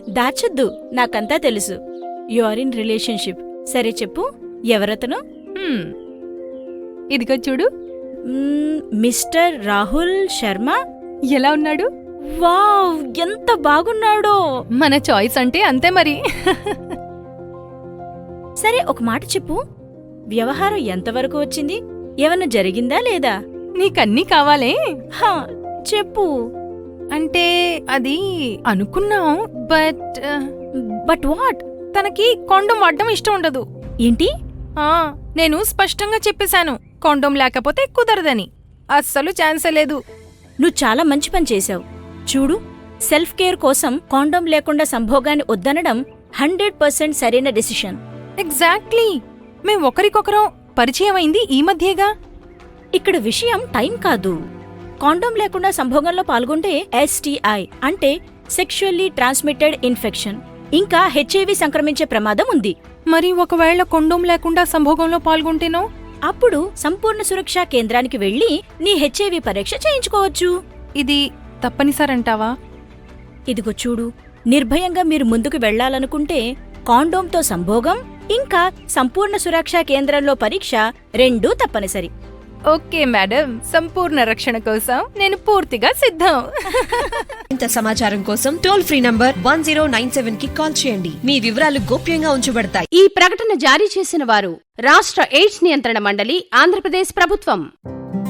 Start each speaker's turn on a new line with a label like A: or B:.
A: దాచొద్దు, నాకంతా తెలుసు. You are in relationship. సరే చెప్పు, ఎవరతను?
B: ఇదిగో చూడు.
A: మిస్టర్ రాహుల్ శర్మ.
B: ఎలా ఉన్నాడు?
A: వావ్, ఎంత బాగున్నాడో.
B: మన చాయిస్ అంటే అంతే మరి.
A: సరే ఒక మాట చెప్పు, వ్యవహారం ఎంతవరకు వచ్చింది? ఏమన్నా జరిగిందా లేదా?
B: నీకన్నీ కావాలే?
A: హా, చెప్పు.
B: అంటే అది అనుకున్నాం, బట్
A: బట్ వాట్?
B: తనకి కాండోమ్ వాడడం ఇష్టం ఉండదు.
A: ఏంటి?
B: నేను స్పష్టంగా చెప్పేశాను, కాండోమ్ లేకపోతే కుదరదని. అస్సలు ఛాన్సే లేదు.
A: నువ్వు చాలా మంచి పని చేశావు. చూడు, సెల్ఫ్ కేర్ కోసం కాండోమ్ లేకుండా సంభోగాన్ని వద్దనడం 100% సరైన డెసిషన్.
B: ఎగ్జాక్ట్లీ. మేం ఒకరికొకరం పరిచయం అయింది ఈ మధ్యేగా.
A: ఇక్కడ విషయం టైం కాదు. కాండోమ్ లేకుండా సంభోగంలో పాల్గొంటే STI అంటే సెక్షువల్లీ ట్రాన్స్మిటెడ్ ఇన్ఫెక్షన్, ఇంకా HIV సంక్రమించే ప్రమాదం ఉంది.
B: మరి ఒకవేళ కాండోమ్ లేకుండా సంభోగంలో పాల్గొంటేనో?
A: అప్పుడు సంపూర్ణ సురక్షా కేంద్రానికి వెళ్లి నీ HIV పరీక్ష చేయించుకోవచ్చు.
B: ఇది తప్పనిసరంటావా?
A: ఇదిగో చూడు, నిర్భయంగా మీరు ముందుకు వెళ్లాలనుకుంటే కాండోమ్తో సంభోగం ఇంకా సంపూర్ణ సురక్షా కేంద్రంలో పరీక్ష రెండూ తప్పనిసరి.
B: ఓకే మేడం, సంపూర్ణ రక్షణ కోసం నేను పూర్తిగా సిద్ధం.
C: ఇంత సమాచారం కోసం టోల్ ఫ్రీ నంబర్ 1097 కి కాల్ చేయండి. మీ వివరాలు గోప్యంగా ఉంచబడతాయి.
D: ఈ ప్రకటన జారీ చేసిన వారు రాష్ట్ర ఎయిడ్స్ నియంత్రణ మండలి, ఆంధ్రప్రదేశ్ ప్రభుత్వం.